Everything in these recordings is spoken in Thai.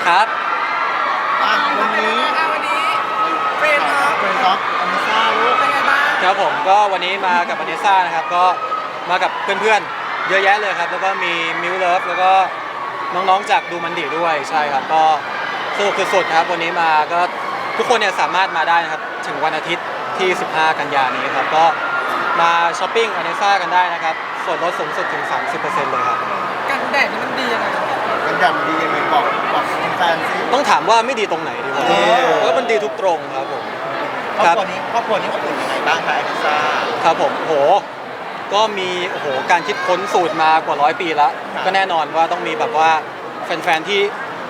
ครับวันนี้เฟรนด์ครับอเมซ่าลูกเป็นไงบ้างครับผมก็วันนี้มากับอเนซ่านะครับก็มากับเพื่อนๆเยอะแยะเลยครับแล้วก็มีมิวเลิฟแล้วก็น้องๆจากดูมันดีด้วยใช่ครับก็สนุกสุดๆครับวันนี้มาก็ทุกคนเนี่ยสามารถมาได้นะครับถึงวันอาทิตย์ที่ 15 กันยายนนี้ครับก็มาช้อปปิ้งอเนซ่ากันได้นะครับส่วนลดสูงสุดถึง 30% เลยครับกันแดดนี่มันดียังไงกันดันดียังไงบอกแฟนซิต้องถามว่าไม่ดีตรงไหนดีกว่าแล้วมันดีทุกตรงครับผมครอบครัวนี้อบอุ่นยังไงบ้างคะอเมซ่าครับผมโหก็มีโอ้โหการคิดค้นสูตรมากว่า100 ปีแล้วก็แน่นอนว่าต้องมีแบบว่าแฟนๆที่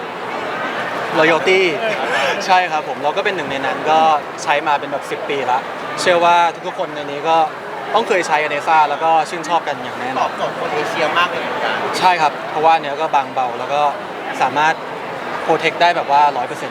loyalty ใช่ครับผมเราก็เป็นหนึ่งในนั้นก็ใช้มาเป็นแบบ10 ปีแล้วเชื่อว่าทุกๆคนในนี้ก็ต้องเคยใช้อเนซ่าแล้วก็ชื่นชอบกันอย่างแน่นตออน บโจทย์คนเอเชียมากเลยเหมือนกันใช่ครับเพราะว่าเนื้อก็บางเบาแล้วก็สามารถโปรเทคได้แบบว่า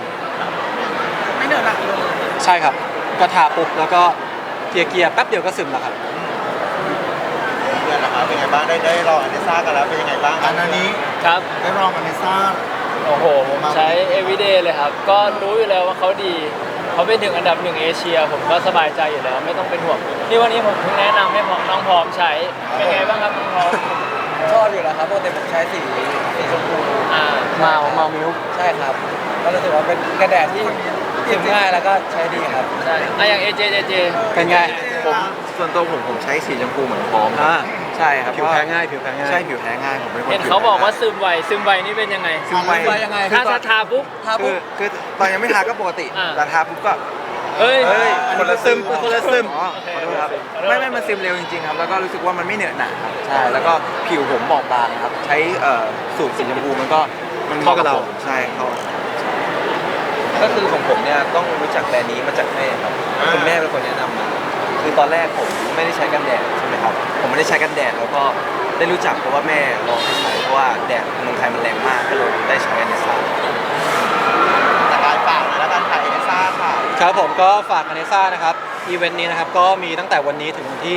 100% ไม่เหนื่อยหนักเลยใช่ครับก็ทาปุ๊บแล้วก็เกียร์แป๊บเดียวก็ซึมแล้วครับเพื่อนนะครับเป็นไงบ้างได้ลองอเมซ่ากันแล้วเป็นยังไงบ้างอันนี้ครับได้ลองอเมซ่าโอ้โห ผมใช้ everyday เลยครับ ก็รู้อยู่แล้วว่าเขาดี เขาเป็นถึงอันดับ1 เอเชีย ผมก็สบายใจอยู่แล้ว ไม่ต้องเป็นห่วงนี่วันนี้ผมเพิ่งแนะนำให้น้องพร้อมใช้ เป็นไงบ้างครับน้องพร้อมชอบอยู่แล้วครับปกติผมใช้สีชมพูเมามิลค์ใช่ครับก็รู้สึกว่าเป็นกระแดดที่ซึมง่ายแล้วก็ใช้ดีครับใช่อย่าง AJ เป็นไงผมส่วนตัวผมใช้สีชมพูเหมือนพร้อมอ่าใช่ครับผิวแพ้ง่ายผิวแพ้ง่ายใช่ผิวแพ้ง่ายผมเป็นคนเห็นเขาบอกว่าซึมไวนี่เป็นยังไงซึมไวยังไงถ้าทาปุ๊บทาปุ๊บคือตอนยังไม่ทาก็ปกติอ่าแต่ทาปุ๊บก็เฮ้ยเฮ้ยคนละซึมคนละซึมอ๋อขอโทษครับไม่มันซึมเร็วจริงๆครับแล้วก็รู้สึกว่ามันไม่เหนอะหนะครับใช่แล้วก็ผิวผมบอบบางครับใช้สูตรสีชมพูมันก็มันเข้ากับเราผมใช่เข้าก็คือของผมเนี่ยต้องรู้จักแบรนด์นี้มาจากแม่ครับคุณแม่เป็นคนแนะนำมาคือตอนแรกผมไม่ได้ใช้กันแดดใช่ไหมครับผมไม่ได้ใช้กันแดดแล้วก็ได้รู้จักเพราะว่าแม่ลองให้ใช้เพราะว่าแดดเมืองไทยมันแรงมากก็เลยได้ใช้อันนี้ซะแต่การฝากแล้วการขายอเมซ่าค่ะครับผมก็ฝากอเนซ่านะครับอีเวนต์นี้นะครับก็มีตั้งแต่วันนี้ถึงวันที่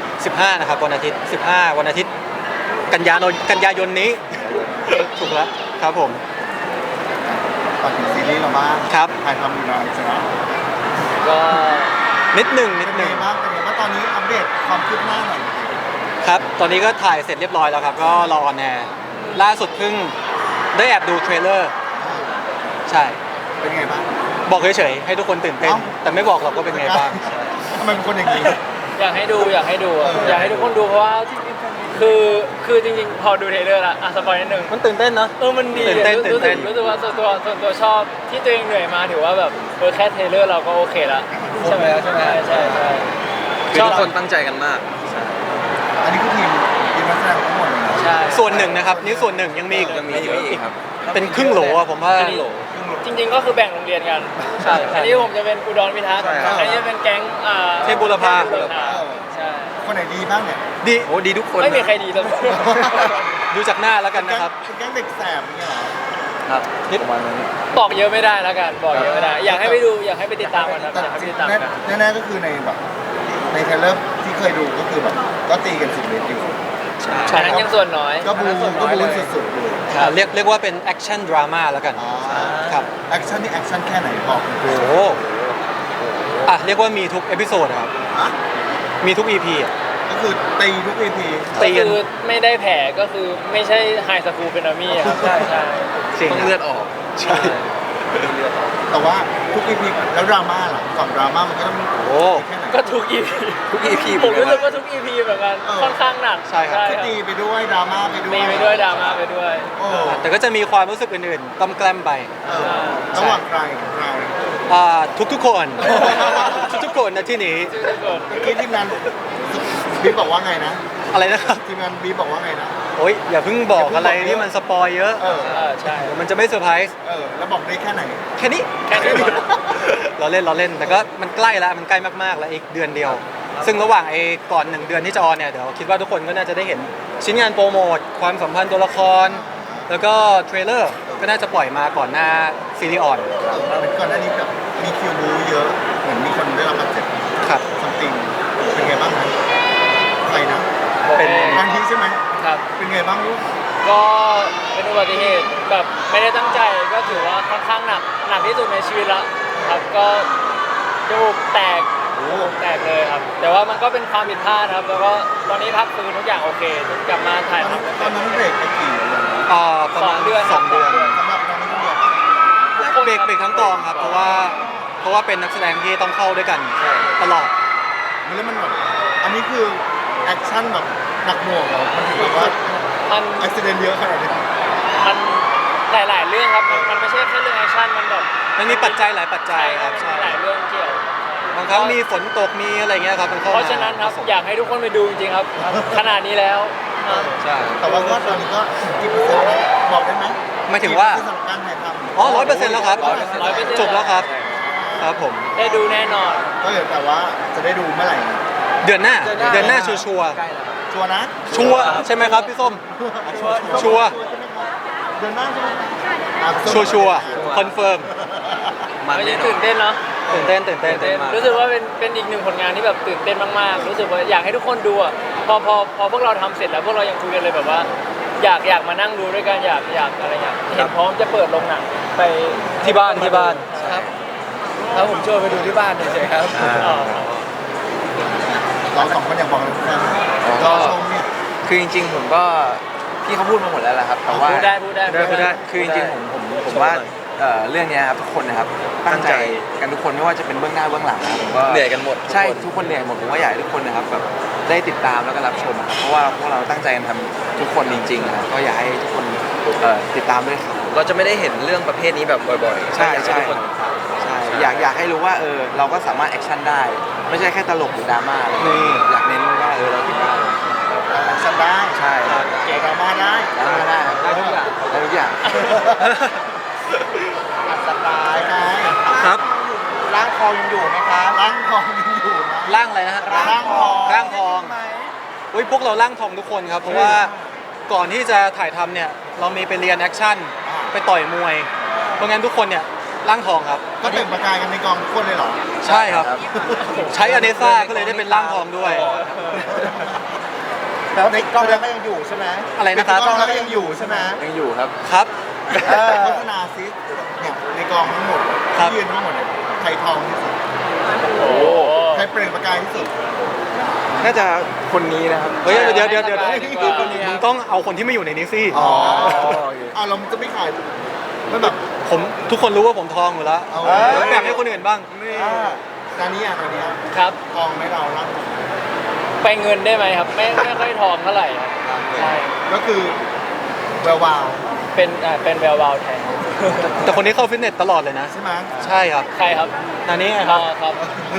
15 นะครับวันอาทิตย์ 15 วันอาทิตย์กันยายนนี้ ถูกแล้วครับผมก่อนถึงซีรีส์เราบ้างครับถ่ายทำอยู่นานใช่ไหมก็นิดหนึ่งเป็นไงบ้างตอนนี้อัปเดตความคืบหน้าหน่อยครับตอนนี้ก็ถ่ายเสร็จเรียบร้อยแล้วครับก็รอออนแอร์ล่าสุดเพิ่งได้แอบดูเทรลเลอร์ใช่เป็นไงบ้างบอกเฉยๆให้ทุกคนตื่นเต้นเอ้าแต่ไม่บอกหรอกว่าเป็นไงบ้างทำไมเป็นคนอย่างนี้อยากให้ดูอยากให้ทุกคนดูเพราะว่าคือจริงๆ พอดูเทรลเลอร์ละสปอยนิดนึงมันตื่นเต้นเนาะมันดีตื่นเต้นรู้ตื่นเต้สึกนรู้สึกว่าส่วนตัวชอบที่ตัวเองเหนื่อยมาถือว่าแบบแค่เทรลเลอร์เราก็โอเคละใช่ไหมใช่คือทุกคนตั้งใจกันมากอันนี้คือทีมนักแสดงทั้งหมดเลยนะใช่ส่วนหนึ่งนะครับนี่ส่วนหนึ่งยังมีอีกยังมีอีกครับเป็นครึ่งโหลอะผมว่าจริงๆก็คือแบ่งโรงเรียนกันใช่อันนี้ผมจะเป็นอุดรพิทักษ์ใช่ครับอันนี้จะเป็นแก๊งเทพบุรพาใช่คนไหนดีบ้างเนี่ยดีโอ้ดีทุกคนไม่มีใครดีเลยดูจากหน้าแล้วกันนะครับเป็นแก๊งเด็กแสบอย่างเงี้ยเหรอครับนิดประมาณนั้นบอกเยอะไม่ได้แล้วกันบอกเยอะไม่ได้อยากให้ไปดูอยากให้ไปติดตามกันครับอยากให้ไปติดตามกันแน่ๆก็คือในแบบในเทรลเลอร์ที่เคยดูก็คือแบบก็ตีกันสุดฤทธิ์อยู่อันนั้นยังส่วนน้อยก็บูสุดๆเลยเรียกว่าเป็นแอคชั่นดราม่าแล้วกันอ๋อครับแอคชั่นนี่แอคชั่นแค่ไหนบอกโอ้โหเรียกว่ามีทุกเอพิโซดครับอ่ะมีทุก EP อ่ะก็คือตีทุก EP ตีก็กันคือไม่ได้แผลก็คือไม่ใช่ไฮสคูลเป็นอามี่ครับใช่จริงต้องครับเลือดออกใช่แต่ว่าทุก EP แล้วดราม่าล่ะฝั่งดราม่ามันก็ต้องโอ้แค่ไหนก็ทุก EP ทุก EP ผมรู้สึกว่าทุก EP เหมือนกันเออค่อนข้างหนักใช่ครับคือตีไปด้วยดราม่าไปด้วยมีไปด้วยดราม่าไปด้วยโอ้แต่ก็จะมีความรู้สึกอื่นๆต้มแกล้มไปเออระหว่างใครกับเราทุกๆคน ทุกๆคนนะที่นี้ทุกคนเมื่อกี้ทีมงานบีบอกว่าไงนะอะไรนะครับทีมงานบีบอกว่าไงนะโอ๊ยอย่าเพิ่งบอกอะไรที่มันสปอยเยอะเออใช่เดี๋ยวมันจะไม่เซอร์ไพรส์แล้วบอกได้แค่ไหนแค่นี้แค่นี้พอเราเล่นแต่ก็มันใกล้แล้วมันใกล้มากๆแล้วอีกเดือนเดียว ซึ่งระหว่างก่อน1 เดือนที่จะออนเนี่ยเดี๋ยวคิดว่าทุกคนก็น่าจะได้เห็นชิ้นงานโปรโมทความสัมพันธ์ตัวละคร แล้วก็เทรลเลอร์ก็น่าจะปล่อยมาก่อนหน้าซีรีส์ออนเหมือนก่อนหน้านี้แบบมีคิวบูเยอะเหมือนมีคนได้รับบาดเจ็บครับซัมติงเป็นไงบ้างนะใครนะเป็นทางทีใช่ไหมครับเป็นไงบ้างลูกก็เป็นอุบัติเหตุแบบไม่ได้ตั้งใจก็ถือว่าค่อนข้างหนักที่สุดในชีวิตละครับก็จมูกแตกเลยครับ แต่ว่ามันก็เป็นความผิดพลาดครับ แล้วก็ตอนนี้พักฟื้นทุกอย่างโอเคกลับมาถ่ายทำตอนนั้นเบรกไปกี่เดือนประมาณ 2 เดือน 2 เดือนสำหรับตอนนี้ก็เบรกเบรกทั้งกองครับเพราะว่าเป็นนักแสดงที่ต้องเข้าด้วยกันตลอดแล้วมันแบบอันนี้คือแอคชั่นแบบหนักหน่วงเหรอมันถึงแบบว่ามันอุบิเหตุเยอะขนาดนี้มันหลายๆเรื่องครับมันไม่ใช่แค่เรื่องแอคชั่นมันแบบมันมีปัจจัยหลายปัจจัยครับมันใช่มีหลายเรื่องเกี่ยวบางครั้งมีฝนตกมีอะไรเงี้ยครับมันเข้าเพมาราะฉะนั้นครับอยากให้ทุกคนไปดูจริงๆครับ ขนาดนี้แล้วใช่แต่ว่าก็ตอนนี้ก็กี่เปอร์เซ็นต์แล้วบอกได้ไหมหมายถึงว่าสำหรับการถ่ายทำอ๋อ100%แล้วครับ 100% จบแล้วครับครับผมได้ดูแน่นอนก็เหลือแต่ว่าจะได้ดูเมื่อไหร่เดือนหน้าชัวร์ชัวร์นะชัวร์ใช่ไหมครับพี่ส้ม ชัวร์เดือนหน้าใช่ไหมชัวร์คอนเฟิร์มมันไม่แน่ได้นอตื่นนเต้นเนาะตื่นเต้นรู้สึกว่าเป็นอีกหนึ่งผลงานที่แบบตื่นเต้นมากๆ รู้สึกว่าอยากให้ทุกคนดูอ่ะพอพวกเราทำเสร็จแล้วพวกเรายังคุยกันเลยแบบว่า อยากมานั่งดูด้วยกันอยากอะไรอย่างเห็นพร้อมจะเปิดโรงหนังไปที่บ้านครับแล้วผมชวนไปดูที่บ้านเฉยๆครับอ๋อเราสองคนอยากบอกอะไรทุกคนก็รอชมเนี่ยคือจริงๆผมก็พี่เขาพูดมาหมดแล้วแหละครับแต่ว่าพูดได้คือจริงๆผมว่าเรื่องเนี้ยครับทุกคนนะครับตั้งใจกันทุกคนไม่ว่าจะเป็นเบื้องหน้าเบื้องหลังนะผมก็เหนื่อยกันหมดใช่ทุกคนเหนื่อยหมดผมก็อยากให้ทุกคนนะครับแบบได้ติดตามแล้วก็รับชมครับเพราะว่าพวกเราตั้งใจกันทำทุกคนจริงๆนะครับก็อยากให้ทุกคนติดตามด้วยครับเราจะไม่ได้เห็นเรื่องประเภทนี้แบบบ่อยๆใช่ห้ทุกคนใช่อยากให้รู้ว่าเราก็สามารถแอคชั่นได้ ไม่ใช่แค่ตลกหรือดราม่าอะไรนี่อยากเน้นว่าเราคิดได้แอคชั่นได้ใช่เก่งดราม่าได้ดราม่าได้ครับได้ทุกอย่างได้ทุกอย่างอัดสบายไงครับร่างทองยังอยู่ไหมครับร่างทองยังอยู่นะร่างอะไรนะฮะร่างทองร่างทองอุ้ยพวกเราร่างทองทุกคนครับ เพราะว่าก่อนที่จะถ่ายทำเนี่ยเรามีไปเรียนแอคชั่นไปต่อยมวย เพราะงั้นทุกคนเนี่ยร่างทองครับก็เปล่งประกายกันในกองทุกคนเลยเหรอใช่ครับ ใช้อเนซ่าก็เลยได้เป็นร่างทองด้วยแล้วในกล้องแล้วก็ยังอยู่ใช่ไหมอะไรนะครับในกล้องแล้วก็ยังอยู่ใช่ไหมยังอยู่ครับครับโฆษณาซิเนี่ยในกองทั้งหมดครับที่ยืนทั้งหมดเนี่ยใครทองที่สุดโอ้ใครเปล่งประกายที่สุดน่าจะคนนี้นะครับเฮ้ยเดี๋ยวดีกว่ามึงต้องเอาคนที่ไม่อยู่ในนี้สิอ๋อโอเคเราจะไม่ขายมันแบบผมทุกคนรู้ว่าผมทองอยู่แล้วเอาแล้วแบ่งให้คนอื่นบ้างตอนนี้ครับทองไหม่เราล่ะไปเงินได้ไหมครับ ไม่ค่อยทองเท่าไหร่ครับใช่ก็คือแวววาวเป็นแวววาวแทนแต่คนนี้เข้าฟิตเนสตลอดเลยนะใช่ไหมใช่ครับใครครับนานี้ไงคอ๋รัอบ ครับ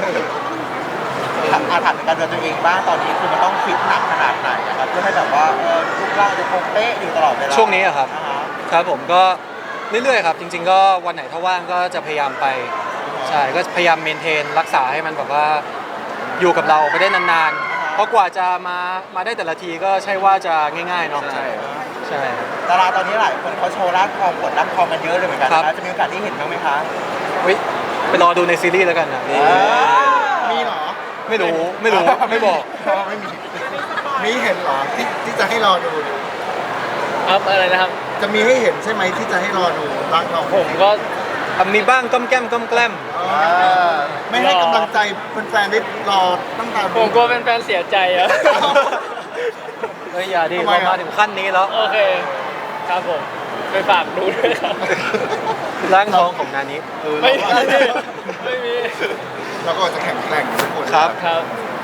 อาถรรพ์การเดินตัวเองบ้างตอนนี้คือมันต้องฟิตหนักขนาดไหนนะครับเพื่อให้แบบว่ารูปร่างจะคงเป๊ะอยู่ตลอดเวลาช่วงนี้อะครับอ่าฮะครับผมก็เรื่อยๆครับ จริง ๆ ก็วันไหนถ้าว่างก็จะพยายามไป ใช่ก็พยายามเมนเทนรักษาให้มันแบบว่าอยู่กับเราไปได้นานๆ เพราะกว่าจะมาได้แต่ละทีก็ใช่ว่าจะง่ายๆเนาะใช่ใช่ครับดาราตอนนี้หลายคนเขาโชว์ร่างทองกดร่างทองกันเยอะเลยเหมือนกันครับนะจะมีโอกาสได้เห็นบ้างไหมคะเฮ้ยไปรอดูในซีรีส์แล้วกันนะมีเหรอไม่รู้ไม่บอกไม่มีมีเห็นเหรอที่จะให้รอดูครับอะไรนะครับจะมีให้เห็นใช่ไหมที่จะให้รอดูร่างทองผมก็มีบ้างก้มแก้มก้มแกล้มไม่ให้กำลังใจแฟนๆได้รอตั้งแต่ผมกลัวเป็นแฟนเสียใจอะเฮ้ยอย่าดิทำไมเราอะมาถึงขั้นนี้แล้วโอเค ครับผม ไปฝากดูด้วยครับร่างทองของนานี้ไม่มีไม่มีแล้วก็จะแข่งแกร่งทุกคนครับครับ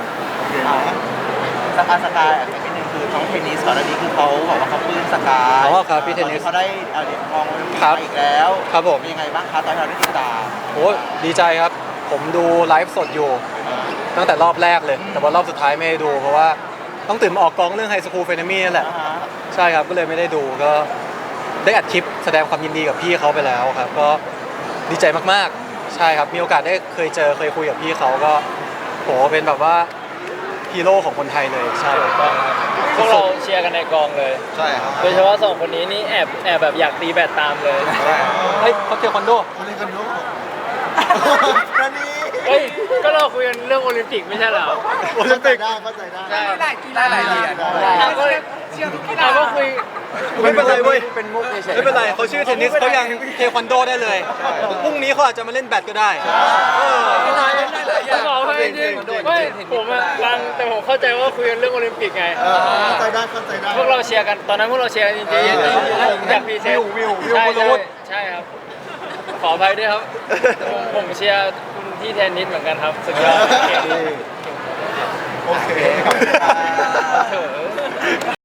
สกายอันนี้นึงคือน้องเทนนิสก่อนอันนี้คือเขาบอกว่าเขาปลื้มสกายอ๋อครับพี่เทนนิสเขาได้เหรียญทองโอลิมปิกครับมาอีกแล้วครับผมเป็นยังไงบ้างคะตอนที่เราได้ติดตามโอ้ดีใจครับ ผมดูไลฟ์สดอยู่ ตั้งแต่รอบแรกเลย แต่ว่ารอบสุดท้ายไม่ได้ดูเพราะว่าต้องตื่นมาออกกองเรื่องไฮสคูลเฟนมี่นั่นแหละ ใช่ครับก็เลยไม่ได้ดูก็ได้อัดคลิปแสดงความยินดีกับพี่เขาไปแล้วครับ ก็ดีใจมากๆ ใช่ครับมีโอกาสได้เคยคุยกับพี่เขาก็โหเป็นแบบว่าฮีโร่ของคนไทยเลยใช่ก็พวกเราเชียร์กันในกองเลยใช่ครับโดยเฉพาะสองคนนี้นี่แอบแบบอยากตีแบดตามเลยเฮ้ยเขาเทควันโดคนนี้คนโน้ตนี่เฮ้ยก็เราคุยกันเรื่องโอลิมปิกไม่ใช่เหรอโอลิมปิกเข้าใจได้มีหลายกีฬาหลายเหรียญเราก็เชียร์ทุกกีฬาเราก็คุยไม่เป็นไรเว้ยเป็นมุกเฉยๆไม่เป็นไรเขาชื่อเทนนิสเขายังเทควันโดได้เลยพรุ่งนี้เขาอาจจะมาเล่นแบดก็ได้เออผมบอกให้จริงๆไม่ผมอะฟังแต่ผมเข้าใจว่าคุยกันเรื่องโอลิมปิกไงเข้าใจได้เข้าใจได้พวกเราเชียร์กันตอนนั้นพวกเราเชียร์กันจริงๆอยากพรีเซนต์วิวใช่คุณวุฒิใช่ครับ ขออภัยด้วยครับผมเชียร์คุณที่เทนนิสเหมือนกันครับสุดยอดเก่งโอเคขอบคุณครับเถอะ